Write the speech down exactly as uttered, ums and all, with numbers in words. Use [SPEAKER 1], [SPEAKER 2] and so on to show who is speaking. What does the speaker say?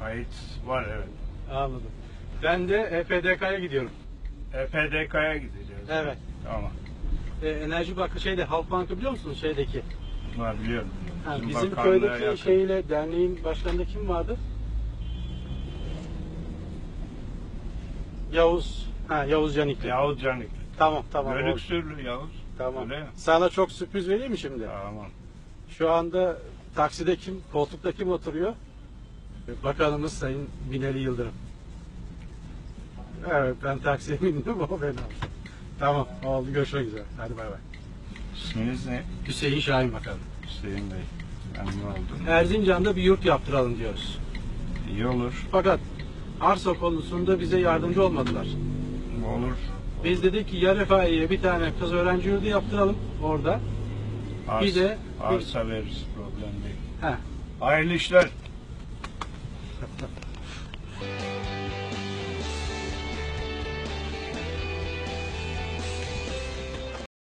[SPEAKER 1] Kayıt var, evet.
[SPEAKER 2] Anladım. Ben de E P D K'ya gidiyorum.
[SPEAKER 1] E P D K'ya gideceğiz.
[SPEAKER 2] Evet.
[SPEAKER 1] Tamam.
[SPEAKER 2] E, Enerji Bankı şeyde, Halkbank'ı biliyor musunuz şeydeki?
[SPEAKER 1] Var, biliyorum.
[SPEAKER 2] Ha,
[SPEAKER 1] Bizim
[SPEAKER 2] bizim
[SPEAKER 1] bakanlığa
[SPEAKER 2] köydeki
[SPEAKER 1] yakın.
[SPEAKER 2] şeyle derneğin başkanında kim vardı? Yavuz. Ha, Yavuz Canikli.
[SPEAKER 1] Yavuz Canik.
[SPEAKER 2] Tamam tamam. oldu.
[SPEAKER 1] Bölüksürlü Yavuz.
[SPEAKER 2] Tamam.
[SPEAKER 1] Öyle mi?
[SPEAKER 2] Sana çok sürpriz vereyim mi şimdi?
[SPEAKER 1] Tamam.
[SPEAKER 2] Şu anda takside kim, koltukta kim oturuyor? Bakanımız Sayın Binali Yıldırım. Evet, ben taksiye bindim, o beni aldı. Tamam, oldu, görüşmek üzere. Hadi bay bay.
[SPEAKER 1] İsminiz ne?
[SPEAKER 2] Hüseyin Şahin Bakanım.
[SPEAKER 1] Hüseyin Bey. Memnun oldum.
[SPEAKER 2] Erzincan'da bir yurt yaptıralım diyoruz.
[SPEAKER 1] İyi olur.
[SPEAKER 2] Fakat arsa konusunda bize yardımcı olmadılar.
[SPEAKER 1] Olur.
[SPEAKER 2] Biz dedik ki ya Refahiye'ye bir tane kız öğrenci yurdu yaptıralım orada.
[SPEAKER 1] Ars,
[SPEAKER 2] Bir de-
[SPEAKER 1] arsa veririz, problem değil.
[SPEAKER 2] Heh.
[SPEAKER 1] Hayırlı işler.